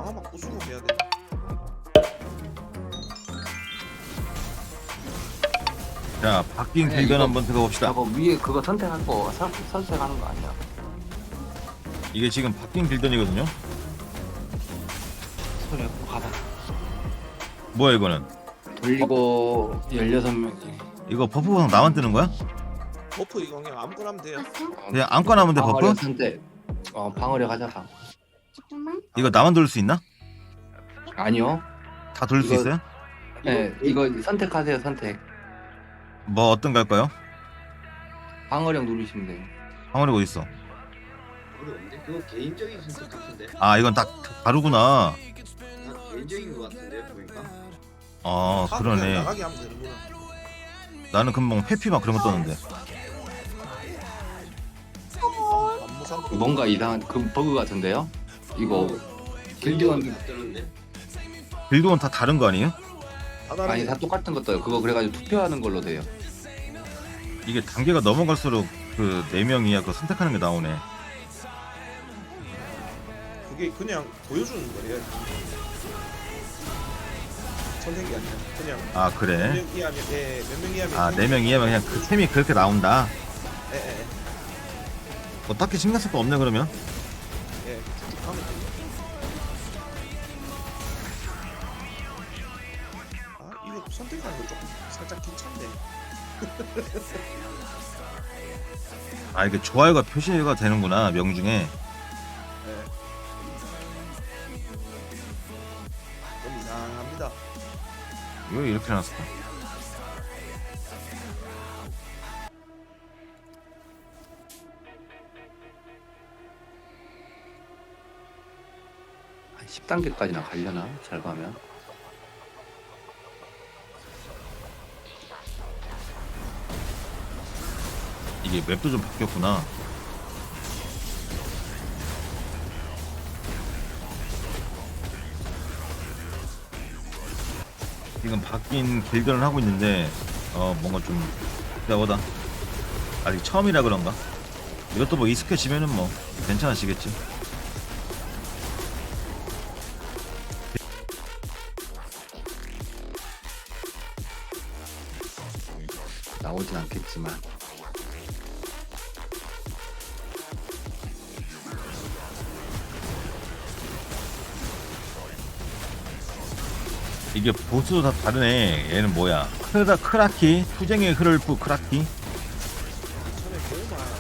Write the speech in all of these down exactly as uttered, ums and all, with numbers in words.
아마 부수고 해야 돼. 자, 바뀐 아니야, 길변 이거- 한번 들어봅시다. 저거 위에 그거 선택할 거 선, 선택하는 거 아니야? 이게 지금 바뀐 길변이거든요. 소리 가봐. 뭐야 이거는? 돌리고 열여섯 명이. 이거 버프 보상 나만 뜨는 거야? 버프 이거 그냥 아무거나 하면 돼요. 그냥 안건 하면 돼 버프? 방어력 선택. 어 방어력 하자 방. 잠깐만. 이거 나만 돌릴 수 있나? 아니요. 다 돌릴 수 이거- 있어요? 네 이거 선택하세요 선택. 뭐 어떤 거 할까요? 방어력 누르시면 돼요. 방어력 어디 있어? 모르겠는데 그거 개인적인 선택 같은데 아 이건 딱 다르구나. 다 개인적인 것 같은데 보니까 아 아, 그냥 그러네. 나가게 하면 되는구나. 나는 금방 회피 막 그런 거 떴는데. 안무상 뭔가 이상한 그 버그 같은데요? 이거 길드원 뜨는데 빌드원 다 다른 거 아니에요? 아니 다 똑같은 것 떠요. 그거 그래가지고 투표하는 걸로 돼요. 이게 단계가 넘어갈수록 그 네 명이야 그 선택하는 게 나오네. 그게 그냥 보여주는 거래요. 선택이 아니라 그냥 아 몇 그래? 명 이하면 예, 몇 명 이하면 아 네 명 이하면 그냥 그 템이 그렇게 나온다. 예, 예, 뭐 딱히 신경 쓸 거 없네 그러면. 예, 쭉 하면 돼요. 아 이거 선택하는 거 조금 살짝 귀찮네. 아 이게 좋아요가 표시가 되는구나 명중에. 예. 좀 이상합니다. 이거 이렇게 해놨을까? 한 십 단계까지나 가려나? 잘 가면. 이게 맵도 좀 바뀌었구나. 지금 바뀐 길들을 하고 있는데 어 뭔가 좀 복잡하다. 아직 처음이라 그런가? 이것도 뭐 익숙해지면은 뭐 괜찮아지겠지. 나오진 않겠지만. 이게 보스도 다 다르네. 얘는 뭐야? 크라 크라키, 투쟁의 흐를프 크라키. 처음에 너무 많아.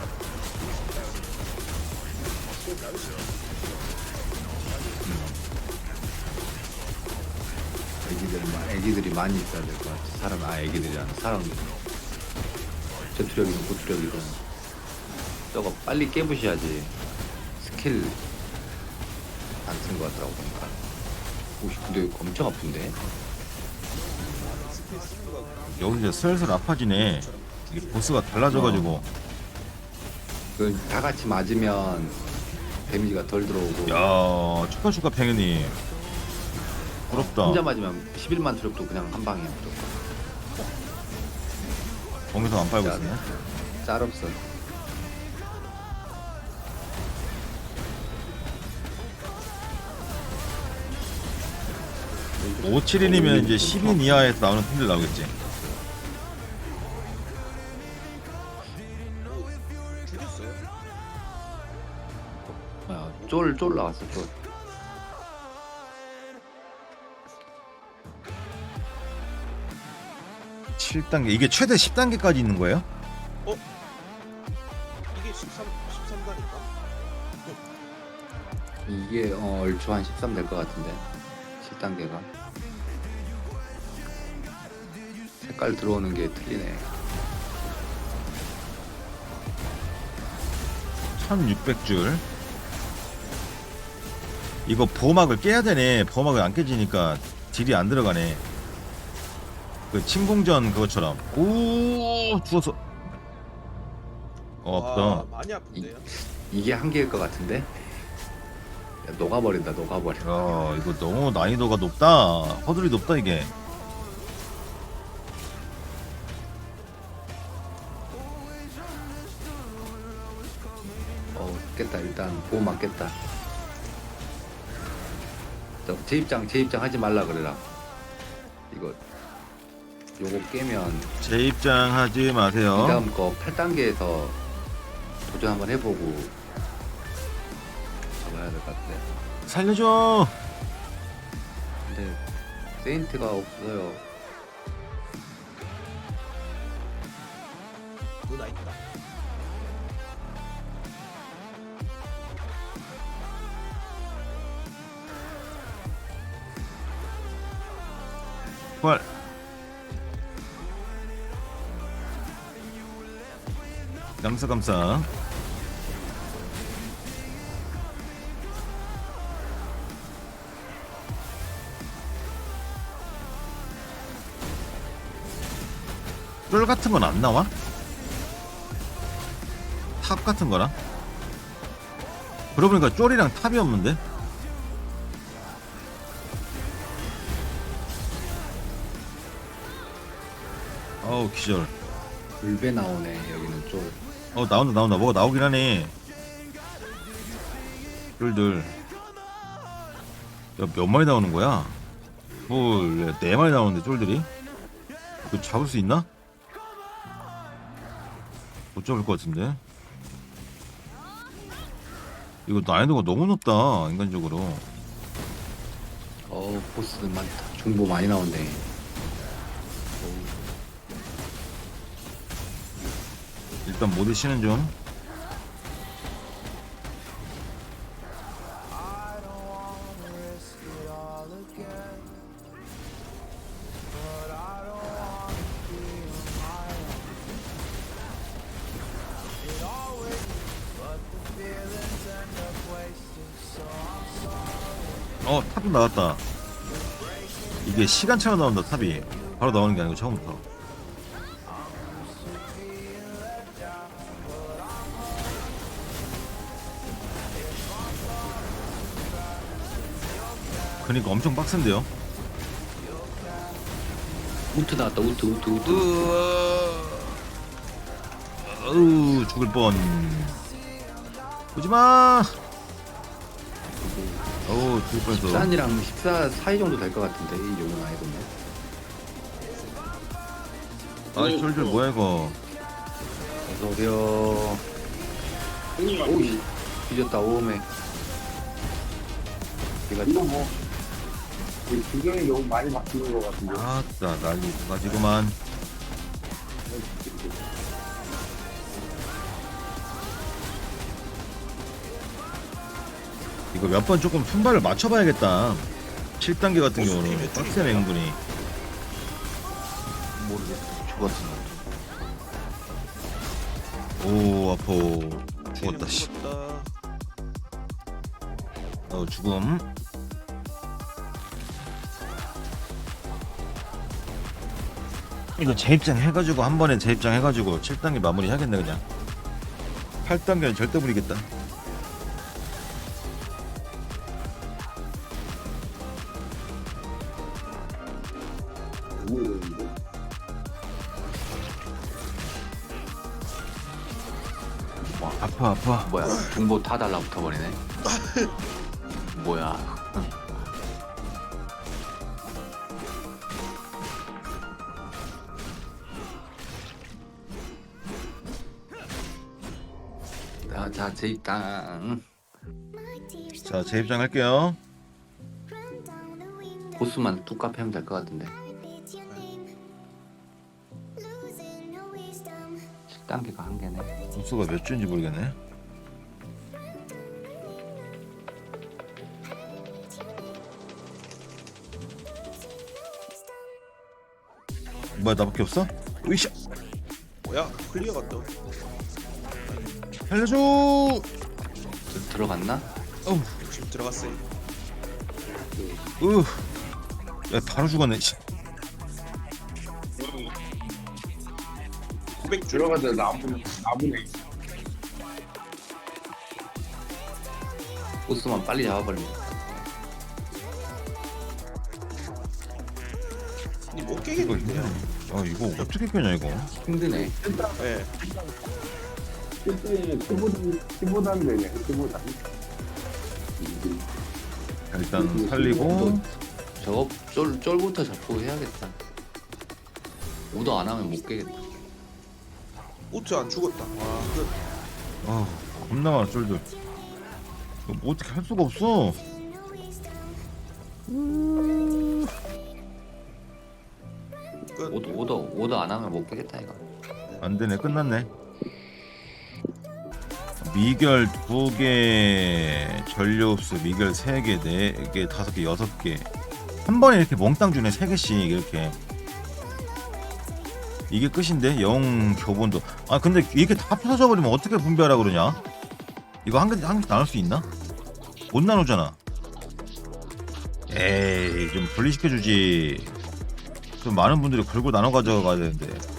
애기들, 마- 애기들이 많이 있어야 될 것 같아. 사람, 아, 애기들이 아니라 사람. 전투력이든 고투력이든. 저거 빨리 깨부셔야지. 스킬 안 쓴 것 같더라고, 보니까. 오씨, 근데 이거 엄청 아픈데? 스킬 스킬가 여기 이제 슬슬 아파지네. 이게 보스가 달라져가지고. 그, 다 같이 맞으면 데미지가 덜 들어오고. 야 축하 축하 팽이님. 부럽다. 혼자 맞으면 십일만 투력도 그냥 한 방이야, 무조건. 거기서 안 빨고 있네. 짤 없어. 오칠일이면 이제 십 인 이하에서 나오는 팀들 나오겠지. 죽였어요. 야, 쫄, 쫄 나왔어, 쫄. 칠 단계 이게 최대 십 단계까지 있는 거예요? 이게 십삼, 십삼 단인가? 이게 어, 얼추 한 십삼 될 것 같은데 칠 단계가 색깔 들어오는 게 틀리네. 천육백 줄. 이거 보호막을 깨야 되네. 보호막을 안 깨지니까 딜이 안 들어가네. 그 침공전 그것처럼. 오 죽었어. 어, 와, 없다. 많이 아픈데요. 이게 한계일 것 같은데. 야, 녹아버린다 녹아버려. 야 이거 너무 난이도가 높다. 허들이 높다 이게. 어 깼다. 일단 보호 맞겠다. 저 재입장 재입장 하지 말라 그래라. 이거 요거 깨면 재입장하지 이 마세요. 다음 거 팔 단계에서 도전 한번 해보고 잡아야 될 것 같아. 살려줘. 근데 세인트가 없어요. 누나 있다. 부활. 감사 감사. 쫄 같은 건 안 나와? 탑 같은 거랑? 그러고 보니까 쫄이랑 탑이 없는데? 어우 기절. 울베 나오네 여기는 좀. 어 나온다 나온다. 뭐가 나오긴 하네. 쫄들. 야 몇 마리 나오는 거야? 뭘, 네 마리 나오는데 쫄들이? 이거 잡을 수 있나? 못 잡을 것 같은데. 이거 난이도가 너무 높다 인간적으로. 어 보스들 많다. 중보 많이 나온대. 일단 모드 씨는 좀. 어 탑도 나왔다. 이게 시간차가 나온다. 탑이 바로 나오는 게 아니고 처음부터. 그니까 엄청 빡센데요. 우트 나왔다. 우트 우트 우트. 어우 죽을 뻔. 오지마. 어우 죽을 뻔했어. 십사이랑 십사 사이 정도 될 것 같은데 이 정도 나이거든요. 아 쫄쫄 뭐야 이거. 어서 오세요. 오이 뒤졌다 오메. 얘가 이거 뭐 규정이 너무 많이 바뀌는 것 같은데. 아따 난리 가지고만. 이거 몇 번 조금 순발을 맞춰봐야겠다. 칠 단계 같은 보스 경우는 팀의 빡세 줄이니까. 맹분이. 모르겠어. 죽었어. 오 아파. 죽었다 씨. 죽었다. 어 죽음. 이거 재입장 해가지고 한 번에 재입장 해가지고 칠 단계 마무리 하겠네 그냥. 팔 단계는 절대 무리겠다. 너무 이러는데. 와 아파 아파. 뭐야 중보 다 달라붙어 버리네. 뭐야. 자, 자, 재입장. 자 재입장 할게요. 보스만 뚝 하면 될 것 같은데. 칠 단계가 한 개네. 점수가 몇 주인지 모르겠네. 뭐야 나밖에 없어? 으이샤. 뭐야? 클리어가 또. 살려줘. 들- 들어갔나? 어우. 지금 들어갔어요. 으. 야 바로 죽었네. 씨. 구백 줄. 들어가자 나무네 나무네. 보스만 빨리 잡아버리면. 못 이거 깨겠는데요? 아 이거 어떻게 껴냐 이거. 힘드네. 예. 그때 십오 단 십오 단 되네. 십오 단. 일단 살리고 저거 쫄, 쫄부터 잡고 해야겠다. 오더 안 하면 못 깨겠다. 오트 안 죽었다. 와, 그 아 겁나 많아 쫄들. 이거 뭐 어떻게 할 수가 없어. 끝. 오더 오더 오더 안 하면 못 깨겠다 이거. 안 되네. 끝났네. 미결 두 개, 전류흡수 미결 세 개, 네 개, 다섯 개, 여섯 개. 한 번에 이렇게 몽땅 주네. 세 개씩 이렇게. 이게 끝인데 영 교본도. 아 근데 이렇게 다 펴져 버리면 어떻게 분배하라 그러냐? 이거 한 개 한 개 나눌 수 있나? 못 나누잖아. 에이 좀 분리시켜 주지. 좀 많은 분들이 걸고 나눠 가져가야 되는데.